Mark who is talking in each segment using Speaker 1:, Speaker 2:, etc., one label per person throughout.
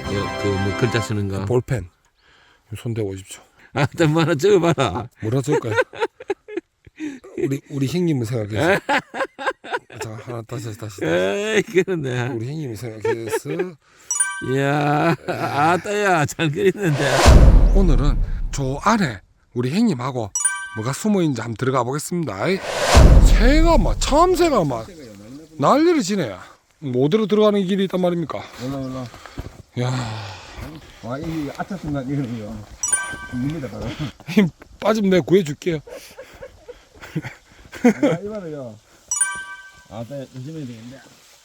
Speaker 1: 뭐 글자 쓰는 거.
Speaker 2: 볼펜. 손 대고 오십시오.
Speaker 1: 아, 일단 뭐 하나 적어봐라.
Speaker 2: 뭐라 적을까요? 우리 형님을 생각해서. 자, 하나 다시.
Speaker 1: 에이, 그러네.
Speaker 2: 우리 형님을 생각해서.
Speaker 1: 이야, 아따야, 잘 그리는데.
Speaker 2: 오늘은 저 안에 우리 형님하고 뭐가 숨어 있는지 한번 들어가 보겠습니다. 새가 막 참새가 막 난리를 지내요. 뭐 어디로 들어가는 길이 있단 말입니까?
Speaker 3: 올라.
Speaker 2: 야,
Speaker 3: 와, 이 아차 순간 이거는요. 닙니다, 바로.
Speaker 2: 힘 빠지면 내가 구해줄게요.
Speaker 3: 이거는요. 아, 나 조심해야 되겠네.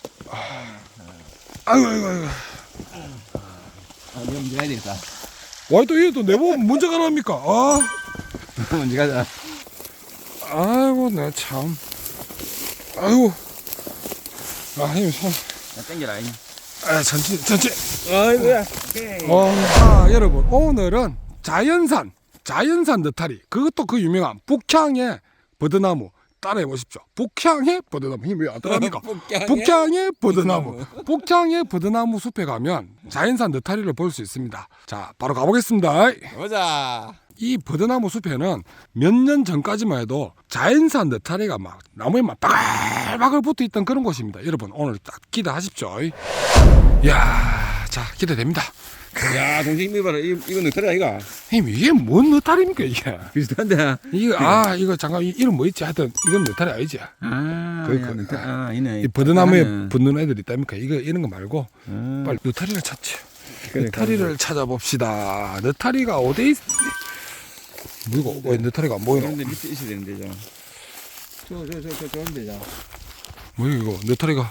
Speaker 2: 아이고.
Speaker 3: 아, 이거 먼저 가야 되겠다.
Speaker 2: 와, 또 얘도 내보면 먼저 가랍니까? 아,
Speaker 3: 먼저 가자.
Speaker 2: 아이고, 나 참. 아이고. 아, 형님 손.
Speaker 3: 야, 땡겨라.
Speaker 2: 아, 천천히.
Speaker 3: 아이고야.
Speaker 2: 여러분, 오늘은 자연산 느타리. 그것도 그 유명한 북향의 버드나무. 따라해 보십시오. 북향의 버드나무. 힘이 왜 안 따라합니까? 북향의 버드나무. 북향의 버드나무 숲에 가면 자연산 느타리를 볼 수 있습니다. 자, 바로 가보겠습니다.
Speaker 1: 보자.
Speaker 2: 이 버드나무 숲에는 몇 년 전까지만 해도 자연산 느타리가 막 나무에 막 바글바글 붙어 있던 그런 곳입니다. 여러분, 오늘 딱 기대하십시오. 이야, 자, 기대됩니다.
Speaker 1: 야, 동생 힘이 봐라. 이거 느타리 아이가?
Speaker 2: 형님, 이게 뭔 느타리입니까, 이게?
Speaker 1: 비슷한데.
Speaker 2: 이거 잠깐, 이름 뭐 있지? 하여튼, 이건 느타리 아니지?
Speaker 3: 이네.
Speaker 2: 이 버드나무에 붙는 애들 있다니까. 이런 거 말고, 빨리 느타리를 찾지. 느타리를 찾아봅시다. 느타리가 어디 있... 뭐이고, 왜 느타리가 안 보이노?
Speaker 3: 그런데 밑에 있어야 되는데, 저런데, 자.
Speaker 2: 뭐야, 이거, 느타리가.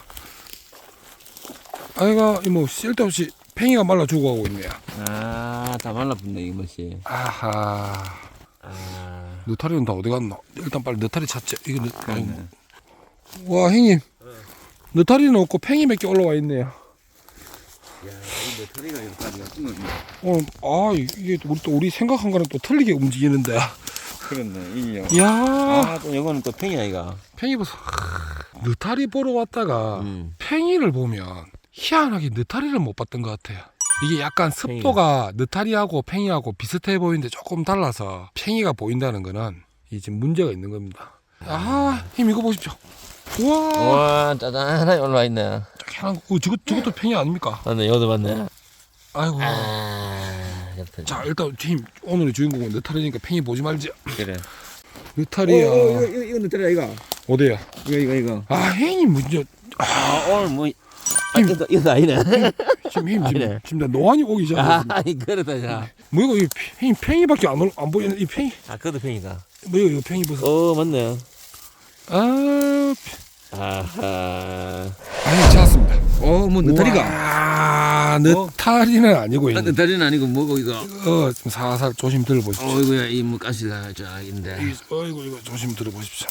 Speaker 2: 아이가, 뭐, 쓸데없이 팽이가 말라 죽어가고 있네요.
Speaker 1: 아, 다 말라붙네, 이것이.
Speaker 2: 아하.
Speaker 1: 아,
Speaker 2: 느타리는 다 어디 갔나? 일단 빨리 느타리 찾지. 이거 와, 형님. 느타리는 없고 팽이 몇 개 올라와 있네요.
Speaker 1: 야, 이 느타리가 여기까지가
Speaker 2: 이게 우리 생각한 거랑 또 틀리게 움직이는데.
Speaker 3: 그렇네, 이요.
Speaker 2: 이야.
Speaker 1: 아, 또 이거는 또 팽이 아이가.
Speaker 2: 팽이 보소. 느타리 보러 왔다가
Speaker 1: 음.
Speaker 2: 팽이를 보면 희한하게 느타리를 못 봤던 것 같아요. 이게 약간 습도가 느타리하고 팽이하고 비슷해 보이는데 조금 달라서 팽이가 보인다는 거는 이 지금 문제가 있는 겁니다. 아, 힘 이거 보십시오. 우와.
Speaker 1: 와, 짜잔하게 올라와 있네.
Speaker 2: 저것도 팽이 아닙니까?
Speaker 1: 맞네, 여기도 맞네.
Speaker 2: 아이고.
Speaker 1: 아, 옆에.
Speaker 2: 자, 일단 힘 오늘의 주인공은 느타리니까 팽이 보지 말지.
Speaker 1: 그래.
Speaker 2: 느타리야.
Speaker 3: 이거 느타리 아이가?
Speaker 2: 어디야?
Speaker 3: 이거.
Speaker 2: 아, 형님 문제.
Speaker 1: 아, 오늘 뭐, 이거 아니네.
Speaker 2: 지금 나 노안이 오기 전에.
Speaker 1: 아, 그러다, 자.
Speaker 2: 뭐 이거 팽이밖에 안 보이는 이 팽이.
Speaker 1: 아, 그것도 팽이다.
Speaker 2: 뭐 이거 팽이 보소.
Speaker 1: 맞네.
Speaker 2: 아,
Speaker 1: 아하.
Speaker 2: 아니 찾았습니다.
Speaker 1: 뭐, 느타리가.
Speaker 2: 아, 느타리는 아니고
Speaker 1: 아, 느타리는 아니고 뭐고, 이거.
Speaker 2: 좀 살살 조심 들어보십시오.
Speaker 1: 어이구야, 이 뭐, 가시가, 인데.
Speaker 2: 어이구, 이거 조심 들어보십시오.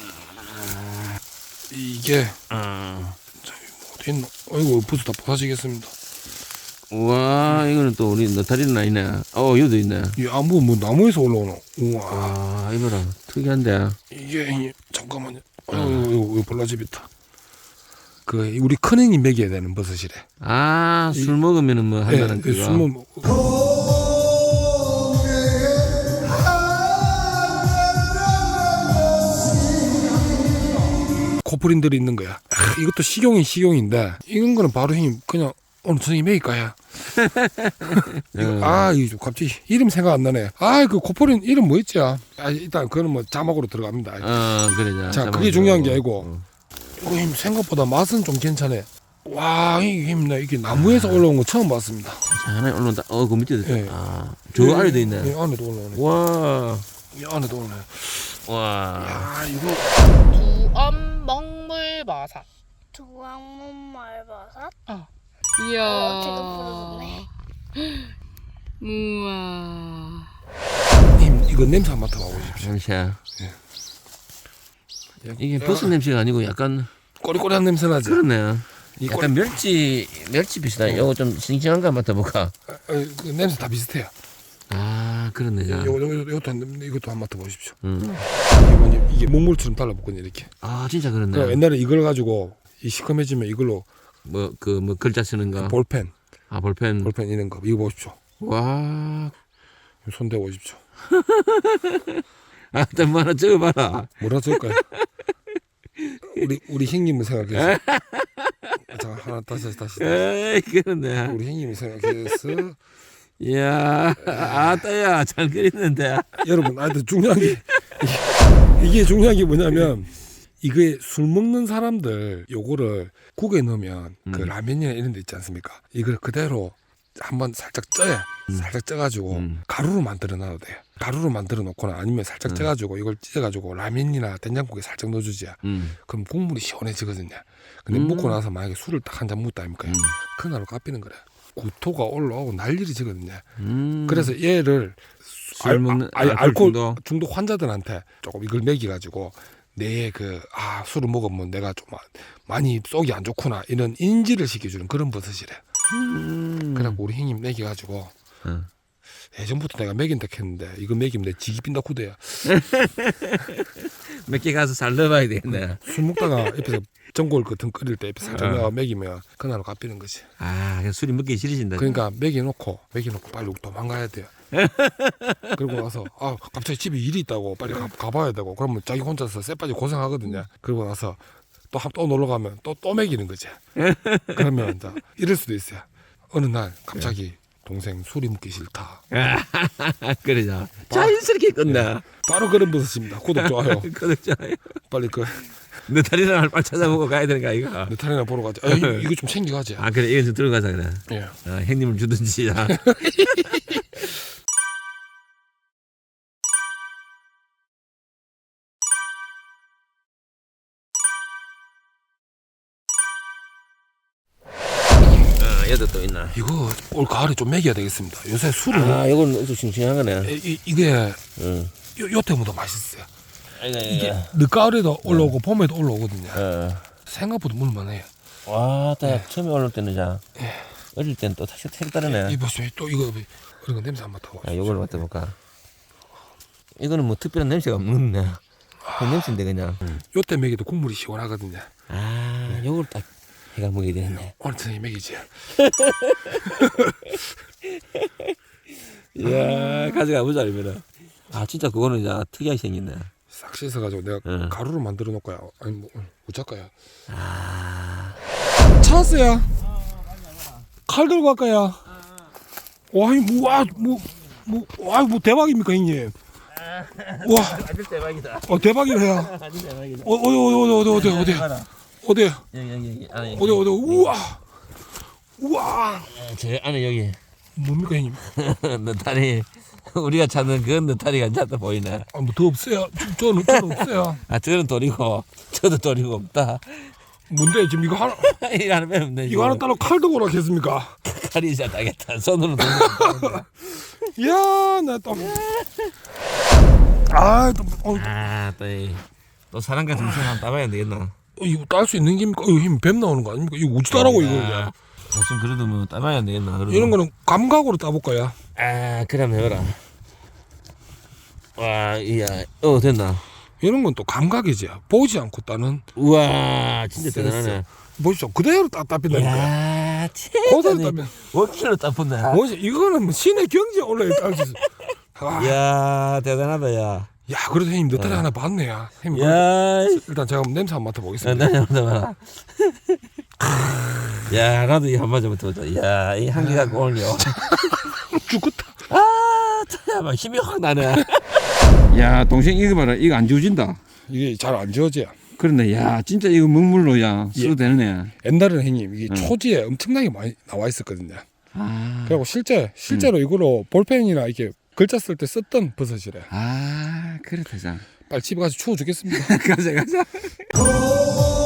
Speaker 2: 이게 어디 있노? 어이구, 부스 다 부서지겠습니다.
Speaker 1: 우와, 이거는 또 우리 느타리는 아니네. 여기도 있네.
Speaker 2: 이 아무 뭐 나무에서 올라오노? 우와.
Speaker 1: 와, 이거라. 특이한데.
Speaker 2: 이게 잠깐만요. 이거 볼라집이다. 그 우리 큰형님 먹여야 되는 버섯이래.
Speaker 1: 아, 술 먹으면은 뭐 한다는 그거.
Speaker 2: 술 먹. 코프린들이 있는 거야. 이것도 식용인데 이런 거는 바로 형님 그냥 오늘 저녁에 먹일까요? 이거 갑자기 이름 생각 안 나네. 그 코프린 이름 뭐였지? 일단 그거는 뭐 자막으로 들어갑니다.
Speaker 1: 그래.
Speaker 2: 자, 그게 중요한 게 아니고 이거 힘 생각보다 맛은 좀 괜찮네. 와, 이게 나무에서 올라온 거 처음 봤습니다.
Speaker 1: 자, 하나 올라온다. 그 밑에도 있어.
Speaker 2: 예.
Speaker 1: 저 안에도 있네.
Speaker 2: 안에도 올라오네.
Speaker 1: 와.
Speaker 2: 이 안에도 올라오네.
Speaker 1: 와.
Speaker 2: 이거
Speaker 4: 두엄 먹물버섯.
Speaker 5: 두광문 말버섯?
Speaker 4: 이야.
Speaker 5: 제가 부르네.
Speaker 4: 우와.
Speaker 2: 님 이거 냄새 한번 맡아봐 보십시오.
Speaker 1: 냄새. 이게 버섯 냄새가 아니고 약간
Speaker 2: 꼬리꼬리한 냄새 나지?
Speaker 1: 그러네.
Speaker 2: 이
Speaker 1: 약간 멸치 비슷하다. 이거 좀 싱싱한가 맡아볼까?
Speaker 2: 그 냄새 다 비슷해요.
Speaker 1: 아, 그러네.
Speaker 2: 이것도 한번 맡아보십시오. 이게 목물처럼 달라붙거든요, 이렇게.
Speaker 1: 아, 진짜 그렇네.
Speaker 2: 그럼 옛날에 이걸 가지고 이 시커매지면 이걸로
Speaker 1: 뭐 글자 쓰는 거.
Speaker 2: 볼펜.
Speaker 1: 아, 볼펜.
Speaker 2: 볼펜 이런 거 이거 보십시오.
Speaker 1: 와.
Speaker 2: 손 대고 보십시오.
Speaker 1: 아, 좀 하나 적어봐라.
Speaker 2: 뭐라 쓸까요? 우리 형님을 생각해서. 자, 하나 다시.
Speaker 1: 에이, 그러네.
Speaker 2: 우리 형님을 생각해서.
Speaker 1: 이야, 아따야, 잘 그리는데.
Speaker 2: 여러분, 중요한 게 이게 중요한 게 뭐냐면 이게 술 먹는 사람들 요거를 국에 넣으면 그 라면이나 이런 데 있지 않습니까? 이걸 그대로 한번 살짝 쪄요. 살짝 쪄가지고 가루로 만들어 놔도 돼요. 가루로 만들어 놓거나 아니면 살짝 쪄가지고 이걸 찢어가지고 라면이나 된장국에 살짝 넣어주지. 그럼 국물이 시원해지거든요. 근데 먹고 나서 만약에 술을 딱 한 잔 묻다 아닙니까? 그날로 깎이는 거래. 구토가 올라오고 난리를 지거든요. 그래서 얘를
Speaker 1: 술 먹는
Speaker 2: 알코올 중독 환자들한테 조금 이걸 먹여가지고 내 술을 먹으면 내가 좀 많이 속이 안 좋구나 이런 인지를 시켜주는 그런 버섯이래. 그래갖고 우리 형님 먹여가지고 예전부터 내가 먹인다 했는데 이거 먹이면 내 지기 빈다 쿠대야.
Speaker 1: 몇 개 가서 잘 넣어봐야 되겠네.
Speaker 2: 술 먹다가 옆에서 전골 같은 끓일 때 옆에 살짝 내가 먹이면 그날로 갚이는 거지.
Speaker 1: 아, 그냥 술이 먹기 싫으신다.
Speaker 2: 그러니까 먹여놓고 빨리 도망가야 돼요. 그리고 나서 갑자기 집에 일이 있다고 빨리 가봐야 되고 그러면 자기 혼자서 쎄빠지 고생하거든요. 그리고 나서 또 놀러 가면 또 먹이는 거지. 그러면 이제 이럴 수도 있어요. 어느 날 갑자기 동생 술이 먹기 싫다.
Speaker 1: 그러자. 자연스럽게 끝나.
Speaker 2: 바로 그런 버섯입니다. 구독 좋아요.
Speaker 1: 구독 좋아요.
Speaker 2: 빨리
Speaker 1: 너 다리랑 빨리 찾아보고 가야 되는 거 아이가?
Speaker 2: 느타리나 보러 가자. 이거 좀 챙겨가지.
Speaker 1: 아, 그래, 이건 좀 들어가자 그래.
Speaker 2: 예.
Speaker 1: 형님을 주든지. 얘도 또 있나?
Speaker 2: 이거 올 가을에 좀 먹여야 되겠습니다. 요새 술을
Speaker 1: 이건 엄청 싱싱한 거네.
Speaker 2: 이게
Speaker 1: 응.
Speaker 2: 요 때보다 맛있어요. 이게
Speaker 1: 이게.
Speaker 2: 늦가을에도 올라오고 봄에도 올라오거든요.
Speaker 1: 어.
Speaker 2: 생각보다 물만해요.
Speaker 1: 와, 딱 처음에 올라올 때는 어릴 때는 또 색다르네.
Speaker 2: 이 보세요. 또 이거 냄새 한번 맡아봐.
Speaker 1: 아, 요걸 맡아볼까? 이거는 뭐 특별한 냄새가 없는데. 그 냄새인데 그냥.
Speaker 2: 요때 먹여도 국물이 시원하거든요.
Speaker 1: 아, 요걸 딱 해가 먹어야 되겠네.
Speaker 2: 오늘 저녁에 먹이지.
Speaker 1: 이야, 가져가 보자 이러면은. 아, 진짜 그거는 이제 특이하게 생겼네.
Speaker 2: 싹 씻어가지고 내가 가루로 만들어 놓을까요? 아니 뭐 어쩔까요?
Speaker 1: 아,
Speaker 2: 찾았어요. 칼 들고 갈까요? 뭐 대박입니까 형님? 와,
Speaker 1: 아주 대박이다.
Speaker 2: 대박이래요.
Speaker 1: 아주 대박이다.
Speaker 2: 어디?
Speaker 1: 여기 안에.
Speaker 2: 어디? 우와.
Speaker 1: 저 안에 여기.
Speaker 2: 뭡니까 형님?
Speaker 1: 느타리. 우리가 찾는 그 느타리가 이제 또 보이네.
Speaker 2: 뭐 더 없어요. 저는 없어요.
Speaker 1: 아, 저는 돌이고, 저도 돌이고 없다.
Speaker 2: 뭔데 지금 이거 하나
Speaker 1: 이거 하나 빼면 돼.
Speaker 2: 이거 하나 따로 칼 들고 오라겠습니까?
Speaker 1: 칼이 잘 따겠다. 손으로 돌리면
Speaker 2: 이야, 나 또.
Speaker 1: 또 사람 같은 무슨 한번 따봐야 되겠나?
Speaker 2: 이거 딸 수 있는 게입니까? 이거 힘 뱀 나오는 거 아닙니까? 이거 어찌 따라고 이거 이제.
Speaker 1: 좀 그래도 뭐 따봐야 되겠나? 그래도.
Speaker 2: 이런 거는 감각으로 따볼까요?
Speaker 1: 아, 그럼 해봐라. 와, 이야, 됐나?
Speaker 2: 이런 건 또 감각이지. 보지 않고 따는.
Speaker 1: 우와, 진짜
Speaker 2: 센스.
Speaker 1: 대단하네.
Speaker 2: 보십시오. 그대로 따빈다니까.
Speaker 1: 이야,
Speaker 2: 그대로
Speaker 1: 진짜
Speaker 2: 따빈.
Speaker 1: 원킬로 따푼다.
Speaker 2: 뭐지? 이거는 뭐 신의 경지에 올라야 딸수 있어.
Speaker 1: 이야, 대단하다, 야.
Speaker 2: 야, 그래도 형님 느타리 하나 봤네요. 형님.
Speaker 1: 야,
Speaker 2: 일단 제가 한번 냄새 한번 맡아보겠습니다.
Speaker 1: 나 봐라. 야, 나도 이 한 마디 맡아보자. 야, 이 한개 갖고 올려.
Speaker 2: 죽었다.
Speaker 1: 아, 참, 힘이 확 나네. 야, 동생 이거 봐라. 이거 안 지워진다.
Speaker 2: 이게 잘 안 지워져요.
Speaker 1: 그런데 야, 진짜 이거 먹물로 써도 되네.
Speaker 2: 옛날에는 형님 이게 초지에 엄청나게 많이 나와 있었거든요.
Speaker 1: 아,
Speaker 2: 그리고 실제로 이거로 볼펜이나 이렇게 글자 쓸 때 썼던 버섯이래.
Speaker 1: 아, 그렇다, 자.
Speaker 2: 빨리 집에 가서 추워 죽겠습니다.
Speaker 1: 가자.